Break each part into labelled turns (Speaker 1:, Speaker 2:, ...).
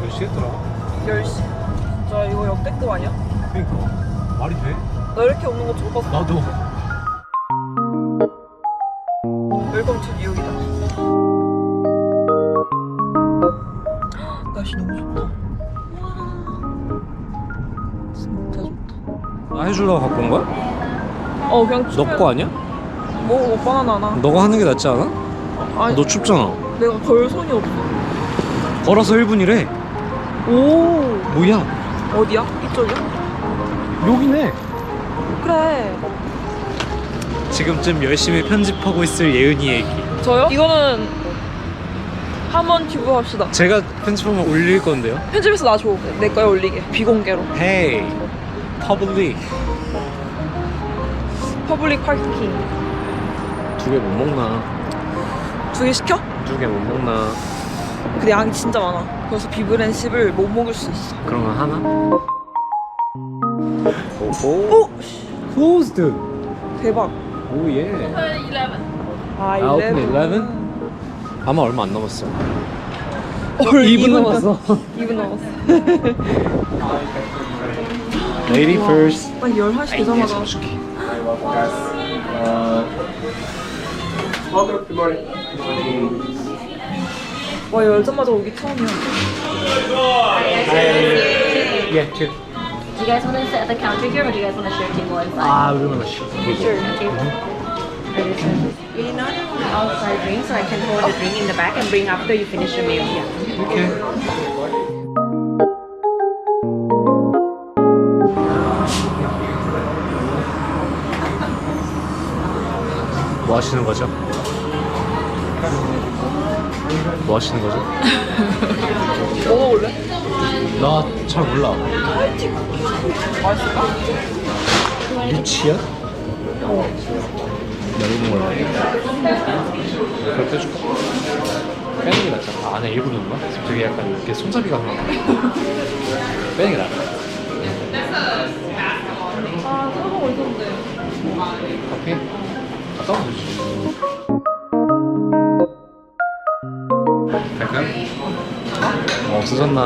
Speaker 1: 몇 시였더라?
Speaker 2: 10시. 자, 이거 역대급 아니야?
Speaker 1: 그니까 말이 돼?
Speaker 2: 나 이렇게 오는 거 처음 봤어.
Speaker 1: 나도.
Speaker 2: 웰컴 투 뉴욕이다. 날씨 너무 좋다. 와, 진짜 좋다.
Speaker 1: 해주려고 갖고 온 거야?
Speaker 2: 그냥
Speaker 1: 너
Speaker 2: 추면
Speaker 1: 거 아니야?
Speaker 2: 뭐 바나나 하나.
Speaker 1: 너가 하는 게 낫지 않아?
Speaker 2: 아니,
Speaker 1: 너 춥잖아.
Speaker 2: 내가 걸 손이 없어.
Speaker 1: 걸어서 1분이래.
Speaker 2: 오,
Speaker 1: 뭐야?
Speaker 2: 어디야? 이쪽이야?
Speaker 1: 여기네.
Speaker 2: 그래.
Speaker 1: 지금쯤 열심히 편집하고 있을 예은이 얘기.
Speaker 2: 저요? 이거는 한번 튜브 합시다.
Speaker 1: 제가 편집하면 올릴 건데요.
Speaker 2: 편집해서 나 줘. 내 거에 올리게. 비공개로.
Speaker 1: Hey, public.
Speaker 2: 퍼블릭 파킹.
Speaker 1: 2개 못 먹나?
Speaker 2: 2개 시켜?
Speaker 1: 2개 못 먹나?
Speaker 2: 근데 양이 진짜 많아. 그래서 비브랜십을 못 먹을 수 있어.
Speaker 1: 그러면 하나? 오,
Speaker 2: 오!
Speaker 1: closed.
Speaker 2: 대박.
Speaker 1: 오 예.
Speaker 2: 아,
Speaker 1: 오픈
Speaker 2: 11.
Speaker 1: 11? 아마 얼마 안 남았어.
Speaker 2: 2분
Speaker 1: 남았어.
Speaker 2: 2분 남았어.
Speaker 1: Lady first.
Speaker 2: 딱 11시 되자마자. 와, 열자마자 오기 처음이야.
Speaker 1: Yeah, two.
Speaker 3: Do you guys want to sit at the counter here, or do you guys want to share a table inside?
Speaker 1: 아, 우리 만나 시.
Speaker 2: Sure.
Speaker 3: You not outside drink, so I can hold the drink in the back and bring after you finish your meal. Yeah.
Speaker 1: 이렇게. 뭐 하시는 거죠? 뭐 하시는 거죠?
Speaker 2: 먹어볼래?
Speaker 1: 나 잘 몰라.
Speaker 2: 맛있을까?
Speaker 1: 유치야? 넓은 걸로. 그렇게 해줄까? 빼는 게 낫잖아. 아, 안에 일부러 넣는 거야? 되게 약간 이렇게 손잡이가 그런 거. 빼는 게 나아.
Speaker 2: 아, 생각하고 있었는데.
Speaker 1: 커피? 갔다 오면 되지. 갈까요? 없어졌나?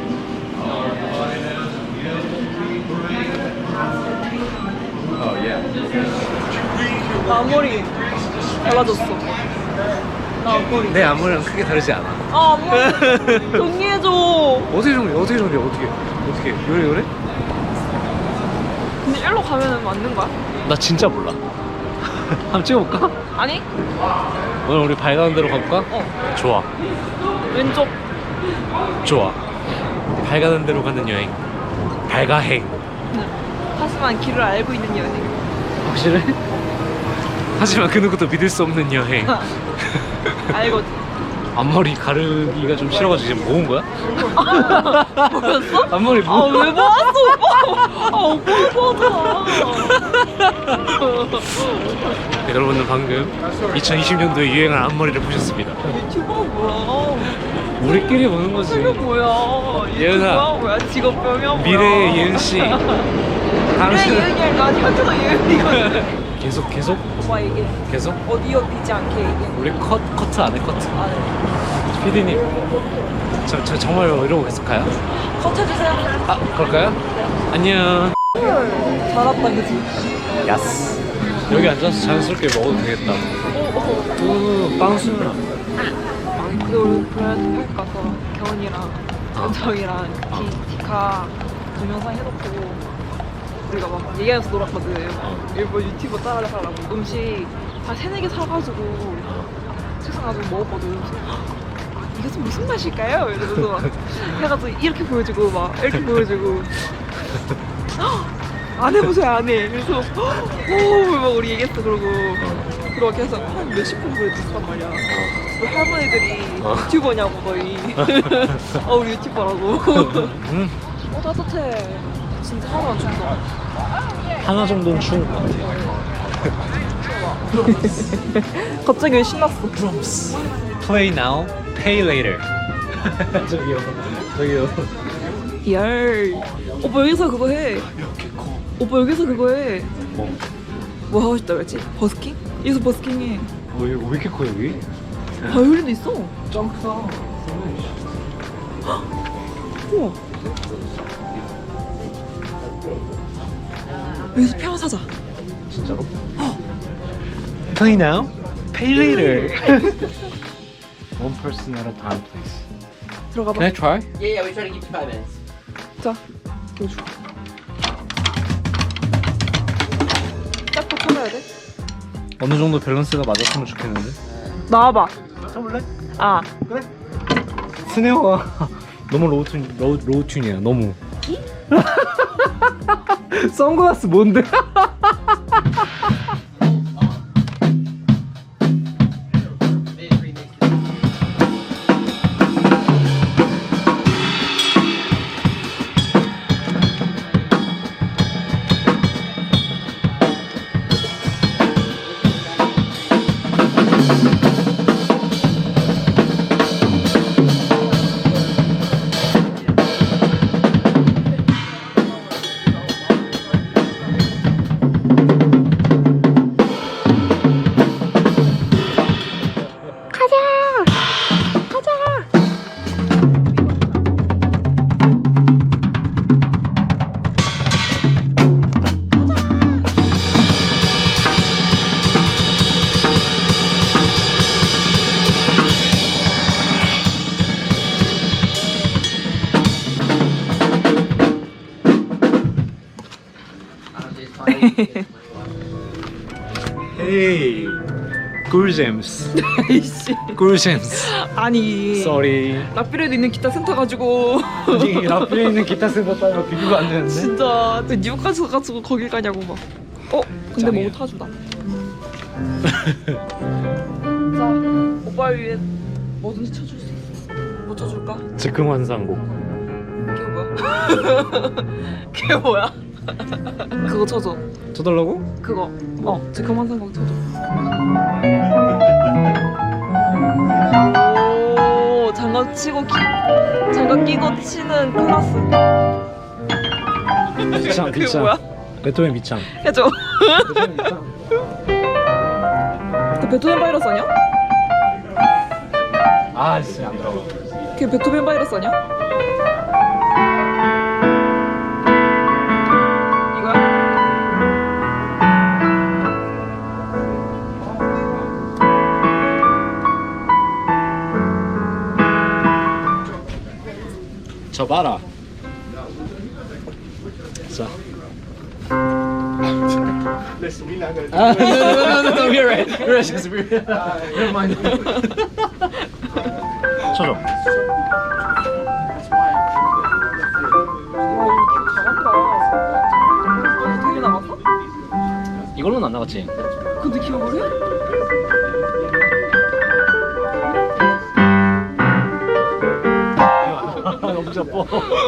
Speaker 2: 나 앞머리 달라졌어. 나 앞머리.
Speaker 1: 내 앞머리랑 크게 다르지 않아.
Speaker 2: 아, 앞머리 정리해줘.
Speaker 1: 어떻게 정리? 어떻게? 요래?
Speaker 2: 근데 일로 가면은 맞는 거야?
Speaker 1: 나 진짜 몰라. 한번 찍어볼까?
Speaker 2: 아니?
Speaker 1: 오늘 우리 밝아는 대로 가볼까? 좋아.
Speaker 2: 왼쪽.
Speaker 1: 좋아. 밝아는 대로 가는 여행. 밝아행.
Speaker 2: 하지만 길을 알고 있는 여행.
Speaker 1: 확실해? 하지만 그 누구도 믿을 수 없는 여행.
Speaker 2: 알거든.
Speaker 1: 앞머리 가르기가 좀 싫어가지고 지금 모은 거야?
Speaker 2: 뭐였어?
Speaker 1: 앞머리
Speaker 2: 아, 왜 모았어, 오빠? 아, 오빠가 좋아하잖아.
Speaker 1: 여러분은 방금 2020년도에 유행한 앞머리를 보셨습니다.
Speaker 2: 유튜버가 뭐야?
Speaker 1: 우리끼리 보는 거지.
Speaker 2: 이거 뭐야?
Speaker 1: 예은아.
Speaker 2: 유튜버야 뭐야? 직업병이야 뭐야?
Speaker 1: 미래의 예은 씨.
Speaker 2: 미래
Speaker 1: 당신은
Speaker 2: 예은이 아니라 현재가 예은이거든.
Speaker 1: 계속
Speaker 2: 오빠 얘기해.
Speaker 1: 계속
Speaker 2: 어디지 않게 얘기해.
Speaker 1: 우리 커트 안 해 커트.
Speaker 2: 아, 네.
Speaker 1: PD님 저 정말 이러고 계속 가요?
Speaker 2: 커트해주세요.
Speaker 1: 아 그럴까요? 안녕.
Speaker 2: 잘 왔다, 그지?
Speaker 1: 야스. 여기 앉아서 자연스럽게 먹어도 되겠다. 빵순.
Speaker 2: 근데 우리 브랜드 팔 가서 경은이랑 전정이랑 디카 동영상 해놓고 우리가 막 얘기하면서 놀았거든. 일본 유튜버 따라하려고 음식 한 3-4개 사가지고 책상 가지고 먹었거든. 그래서 이게 좀 무슨 맛일까요? 이러면서 막 해가지고 이렇게 보여주고 막 이렇게 보여주고 안 해보세요 안 해. 그래서 막 우리 얘기했어. 그러고 계속 한 몇십 분 보여줬단 말이야. 우리 할머니들이 유튜버냐고 너희. 우리 유튜버라고. 따뜻해. 진짜 하나도 안 춥다.
Speaker 1: 하나 정도는 추운 것 같아.
Speaker 2: 갑자기 왜 신났어?
Speaker 1: Drums. Play now, pay later. 저기요.
Speaker 2: 열. 오빠 여기서 그거 해. 오빠 여기서 그거 해. 뭐 하고 싶다 그랬지? 버스킹? 여기서 버스킹 해.
Speaker 1: 왜 이렇게 커 여기?
Speaker 2: 바이올린도 있어.
Speaker 1: 점프다.
Speaker 2: 우와. 여기서 피아노 사자.
Speaker 1: 진짜로? Play now, pay later. One person at a time, please.
Speaker 2: 들어가
Speaker 1: Can I
Speaker 2: 봐.
Speaker 1: try?
Speaker 4: Yeah, we try to keep 5 minutes.
Speaker 2: 자, 이거 줘. 짝도 찾아야 돼?
Speaker 1: 어느 정도 밸런스가 맞았으면 좋겠는데.
Speaker 2: 나와봐.
Speaker 1: 쳐볼래?
Speaker 2: 아,
Speaker 1: 스네어가 너무 로우 튠이야. 너무. 선글라스 뭔데? Hey, 꿀잼스.
Speaker 2: 이씨.
Speaker 1: 꿀잼스.
Speaker 2: 아니.
Speaker 1: Sorry.
Speaker 2: 라피레도 있는 기타 센터 가지고.
Speaker 1: 이 라플에 있는 기타 센터 따위가 비교가 안 되는데.
Speaker 2: 진짜 그 뉴욕까지 가가지고 거길 가냐고 막. 근데
Speaker 1: 짱이야.
Speaker 2: 뭐 타주다. 자, 오빠 위해 뭐든지 쳐줄 수 있어. 뭐 쳐줄까?
Speaker 1: 즉흥 환상곡.
Speaker 2: 그게 뭐야? 그게 뭐야? 그거 쳐줘.
Speaker 1: 쳐달라고?
Speaker 2: 그거. 지금 환상곡 쳐줘. 오, 장갑 끼고 치는 클라스.
Speaker 1: 비창
Speaker 2: 그게
Speaker 1: 비창.
Speaker 2: 뭐야?
Speaker 1: 베토벤 비창.
Speaker 2: 해줘.
Speaker 1: 베토벤 비창.
Speaker 2: 그 베토벤 바이러스 아니야?
Speaker 1: 아 진짜 안 들어가.
Speaker 2: 그게 베토벤 바이러스 아니야? 이거야?
Speaker 1: 저 봐라. 자. No, you're right. You're right. Never mind. 쳐줘.
Speaker 2: 되게 나갔어?
Speaker 1: 이걸로는 안 나갔지.
Speaker 2: 근데 기억을 해?
Speaker 1: 너무 자빠.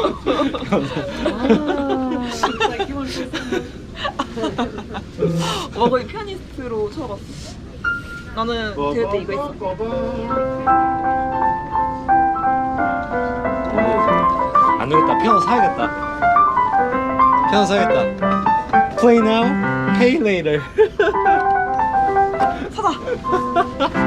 Speaker 2: 거의 피아니스트로 쳐봤어. 나는 대회 때 이거 했어.
Speaker 1: 안 되겠다. 피아노 사야겠다. 피아노 사야겠다. Play now, pay later.
Speaker 2: 사자.